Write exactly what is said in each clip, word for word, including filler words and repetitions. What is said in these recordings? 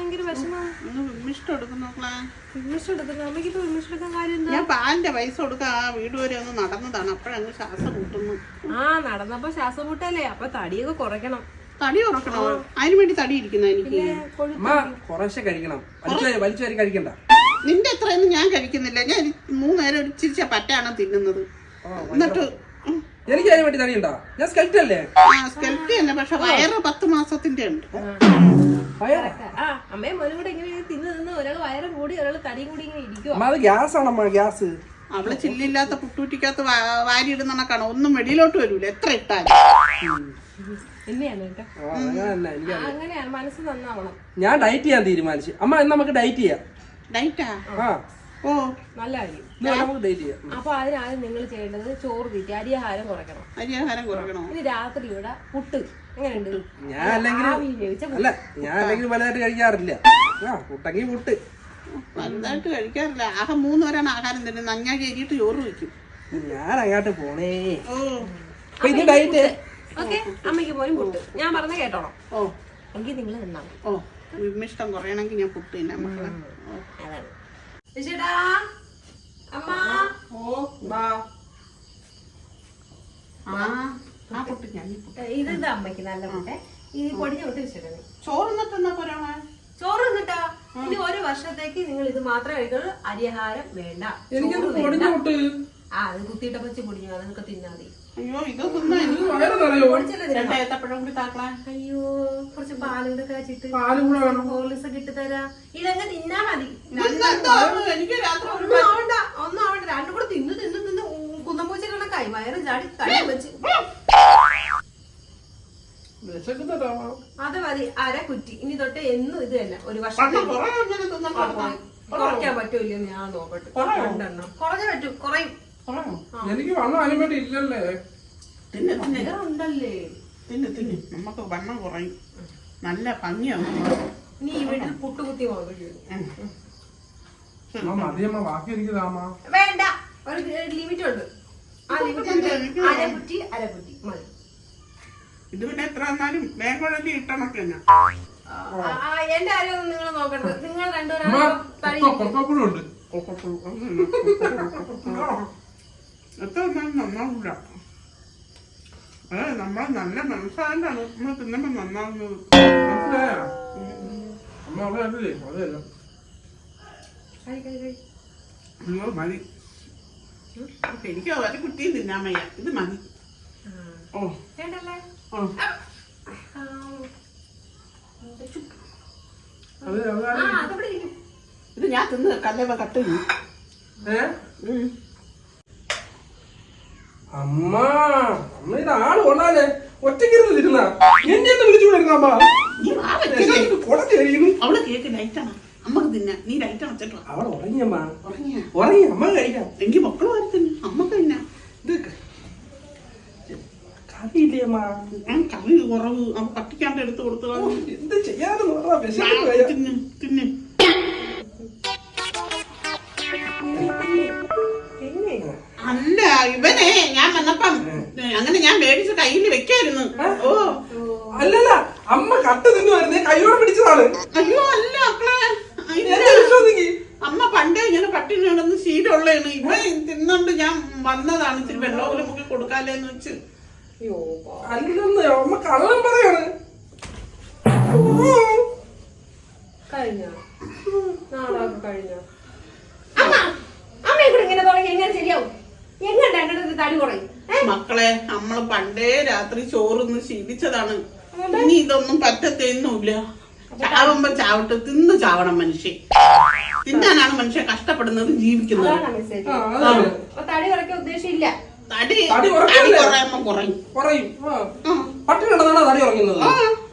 ഞാൻ പാലിന്റെ പൈസ കൊടുക്കാൻ ആ വീട് വരെ ഒന്ന് നടന്നതാണ്, അപ്പോഴങ്ങ് ശ്വാസം മുട്ടുന്നു. ആ നടന്നപ്പോ ശ്വാസം മുട്ടല്ലേ, അപ്പൊ തടിയൊക്കെ കുറയ്ക്കണം. തടി കുറക്കണോ? അതിനു വേണ്ടി തടി ഇരിക്കുന്ന എനിക്ക് കുറേശ്ശെ കഴിക്കണം, വലിച്ചു വരി കഴിക്കണ്ട. നിന്റെ എത്രയൊന്നും ഞാൻ കഴിക്കുന്നില്ല. ഞാൻ മൂന്നേരം ഒരു ചിരിച്ച പറ്റാണ് തിന്നുന്നത്. എന്നിട്ട് എനിക്ക് അതിന് വേണ്ടി തടിയുണ്ടോ? ഞാൻ സ്കെൽറ്റ് അല്ലേ? ആ സ്കെൽറ്റ് തന്നെ, പക്ഷെ വയറ് പത്ത് മാസത്തിന്റെ ഉണ്ട്. അമ്മയും മോനും കൂടെ ഇങ്ങനെ തിന്ന് തിന്ന് ഒരാൾ വയറ് കൂടി ഒരാൾ തടി കൂടി ഇങ്ങനെ ഇരിക്കും. അത് ഗ്യാസ് ആണമ്മ, ഗ്യാസ്. അവള് ചില്ലില്ലാത്ത പുട്ടൂറ്റിക്കകത്ത് വാരി ഇടുന്ന കണക്കാണ്, ഒന്നും വെളിയിലോട്ട് വരൂല എത്ര ഇട്ടാലും. അങ്ങനെയാണ്, മനസ്സ് നന്നാവണം. ഞാൻ ഡയറ്റ് ചെയ്യാൻ തീരുമാനിച്ചു. അമ്മ എന്നാ നമുക്ക് ഡയറ്റ് ചെയ്യാം. ഡയറ്റാ? ഓ നല്ല കാര്യം. നമുക്ക് ഡയറ്റ് ചെയ്യാം. അപ്പൊ അതിനാദ്യം നിങ്ങൾ ചെയ്യേണ്ടത് ചോറ് തീറ്റി അരിയാഹാരം കുറയ്ക്കണം. അരിയാഹാരം കുറയ്ക്കണം. ഇനി രാത്രി ഇവിടെ പുട്ട് എങ്ങനെയുണ്ട്? ഞാൻ അല്ലെങ്കിൽ അല്ല ഞാൻ അല്ലെങ്കിൽ വലുതായിട്ട് കഴിക്കാറില്ല. ആ പുട്ടെങ്കിൽ പുട്ട് വലുതായിട്ട് കഴിക്കാറില്ല. ആകെ മൂന്ന് പേരാണ് ആഹാരം തരുന്നത്. അഞ്ഞാ കയറിയിട്ട് ചോറ് വയ്ക്കും. ഞാൻ അങ്ങോട്ട് പോണേ. ഓ ഇത് ഡയറ്റ്. ഓക്കെ, അമ്മയ്ക്ക് പോലും പുട്ട്. ഞാൻ പറഞ്ഞ കേട്ടോളാം. ഓ എങ്കിൽ നിങ്ങൾ നിന്നാ ഓ വിമിഷ്ടം കുറയണമെങ്കിൽ ഞാൻ പുട്ട് തന്നെ മക്കളെ. അതാണ് ഇത് അമ്മയ്ക്ക് നല്ല പുട്ടെ. ഈ പൊടിഞ്ഞ വിട്ട് വെച്ചിട്ടുണ്ട്. ചോറ് ചോറ് നിന്നിട്ടാ ഇനി ഒരു വർഷത്തേക്ക് നിങ്ങൾ ഇത് മാത്രമേ കഴിക്കുള്ളൂ. അരിയാഹാരം വേണ്ട. ആ അത് കുത്തിയിട്ട പച്ച പൊടിഞ്ഞു, അതൊക്കെ തിന്നാ മതി. അയ്യോ ഇത് തിന്നാ അയ്യോ കുറച്ച് പാലൂടെ കാച്ചിട്ട് ഹോർലിക്സ് കിട്ടി തരാ. ഇതങ്ങ് തിന്നാ മതി. ഒന്നും ആവണ്ട, ഒന്നും ആവണ്ട. രണ്ടും കൂടെ തിന്നു തിന്നു തിന്നു കുന്നമ്പൂച്ച കണക്കായി വയറ് ചാടി തടി വെച്ച്. അത് മതി, അര കുറ്റി. ഇനി തൊട്ട് എന്നും ഇത് തന്നെ. ഒരു വർഷം കുറയ്ക്കാൻ പറ്റൂല്ലോ? ഞാൻ നോക്കട്ടെ. രണ്ടെണ്ണം കുറഞ്ഞ പറ്റും, കുറയും. എനിക്ക് വണ്ണം അനുമതി ഇല്ലല്ലേ? ഉണ്ടല്ലേ? തിന്ന് തിന്ന് നമുക്ക് വണ്ണം കുറയും, നല്ല ഭംഗിയാവും. നീ ഈ വീട്ടിൽ പുട്ടുകുത്തി ബാക്കി എനിക്ക് താമാ വേണ്ട. ഒരു ലിമിറ്റ് ഉണ്ട്. ആ ലിമിറ്റ് അരകുറ്റി അരകുറ്റി മതി. ഇത് പിന്നെ എത്ര വന്നാലും വേഗം ഇട്ടണക്ക് തന്നെ. എന്റെ ആരും നിങ്ങൾ നോക്കണ്ട. നിങ്ങൾ രണ്ടുപേരും എത്ര വന്നാലും നന്നാവില്ല. അതെ നമ്മളെ നല്ല മനസ്സാണ്ടാണ് നമ്മൾ തിന്നുമ്പോ നന്നാവുന്നത്. അയ്യോ മതി, എനിക്ക് ഒരു കുട്ടിയും തിന്നാൻ വയ്യ. ഇത് മതി. ഓ ഇത് ഞാൻ തിന്ന് കല്ലേവ കട്ട്. അമ്മ അമ്മ ഇത് ആള് കൊള്ളാലേ, ഒറ്റക്കിരുന്ന് തിരുന്ന എന്നെ വിളിച്ചുകൊണ്ടിരുന്ന അമ്മ. അവള് കേക്ക് ലൈറ്റാണ്, അമ്മക്ക് തിന്നാ. നീ ലൈറ്റ് അടച്ചിട്ടോ. അവളെ ഉറങ്ങിയമ്മ, ഉറങ്ങി. അമ്മ കഴിക്കാം. എങ്കിൽ മക്കളും ആര് തിന്നു, അമ്മക്ക് തിന്നാ. ഇത് കറിയില്ലേ അമ്മ? കറി കുറവ്, അവ കട്ടിക്കാണ്ട് എടുത്ത് കൊടുത്തു. എന്ത് ചെയ്യാതെ തിന്ന് തിന്ന്. അല്ല ഇവനെ ഞാൻ വന്നപ്പം അങ്ങനെ ഞാൻ മേടിച്ച് കയ്യിൽ വെക്കായിരുന്നു. ഓ അല്ലല്ല, അമ്മ കട്ട് തിന്നുവായിരുന്നേ, കൈയോടെ പിടിച്ചതാണ്. അയ്യോ അല്ല അമ്മ പണ്ടേ ഇങ്ങനെ പട്ടിണി കിടന്ന് ശീലമുള്ളതാണ്. ഇവ തിന്നോണ്ട് ഞാൻ വന്നതാണ്. ഇച്ചിരി വെള്ളവും മുക്കി കൊടുക്കാല്ലേന്ന് വെച്ച്. അല്ലെന്ന് അമ്മ കള്ളം പറയാണ്. കഴിഞ്ഞോ നാളെ കഴിഞ്ഞോ? അമ്മയെ കൂടെ ഇങ്ങനെ തുടങ്ങി എങ്ങനെ ശരിയാവും? എങ്ങനെ രണ്ടിടത്ത് തടി കുറയും? മക്കളെ നമ്മള് പണ്ടേ രാത്രി ചോറൊന്ന് ശീലിച്ചതാണ്. ഇനി ഇതൊന്നും പറ്റത്തൊന്നുമില്ല. ചാവുമ്പോ ചാവട്ടെ, തിന്ന് ചാവണം മനുഷ്യൻ. തിന്നാനാണ് മനുഷ്യൻ കഷ്ടപ്പെടുന്നത്, ജീവിക്കുന്നത്. തടി കുറയ്ക്കാൻ ഉദ്ദേശമില്ല. തടി കുറയുമ്പോ കുറയും കുറയും. പട്ടിണി കിടന്നാണ് തടി കുറയ്ക്കുന്നത്.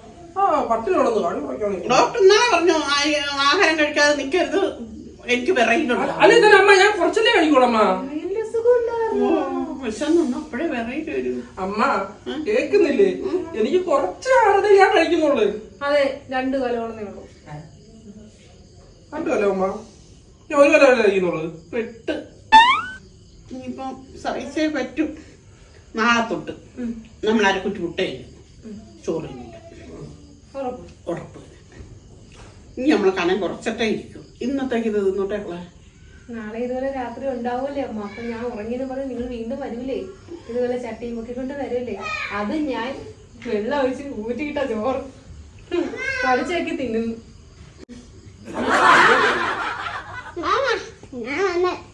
ഡോക്ടർ ഇന്നാളെ പറഞ്ഞു ആഹാരം കഴിക്കാതെ നിക്കരുത്, എനിക്ക് വിറയിലുണ്ട്. അല്ലെ അമ്മ ഞാൻ കുറച്ചല്ലേ കഴിക്കോളമ്മ. വിശന്നൊന്നും അപ്പഴേ വെറൈറ്റി വരും. അമ്മ കേക്കുന്നില്ലേ? എനിക്ക് കുറച്ച് ആരുടെ ഞാൻ കഴിക്കുന്നുള്ളു. അതെ, രണ്ടു കൊലോളന്നേ ഉള്ളൂ. രണ്ടു കൊല്ലോ അമ്മ? ഞാൻ ഒരു കൊല്ലം കഴിക്കുന്നുള്ളു. പെട്ട് ഇനിയിപ്പൊ സഹിച്ചേ പറ്റും. നാളെ തൊട്ട് നമ്മൾ അരക്കുറ്റി പുട്ടേ ചോറ് ഉറപ്പ്. ഇനി നമ്മളെ കനം കുറച്ചിട്ടേ ഇരിക്കും. ഇന്നത്തേക്ക് ഇത് തിന്നോട്ടേക്കളെ. നാളെ ഇതുപോലെ രാത്രി ഉണ്ടാവൂലേ അമ്മ? അപ്പൊ ഞാൻ ഉറങ്ങിയെന്ന് പറഞ്ഞ് നിങ്ങൾ വീണ്ടും വരൂലേ? ഇതുപോലെ ചട്ടിയും പൊക്കിക്കൊണ്ട് വരൂലേ? അത് ഞാൻ വെള്ളം ഒഴിച്ച് ഊറ്റിക്കിട്ട ചോറ് പഠിച്ചേക്കി തിന്നുന്നു. ഞാൻ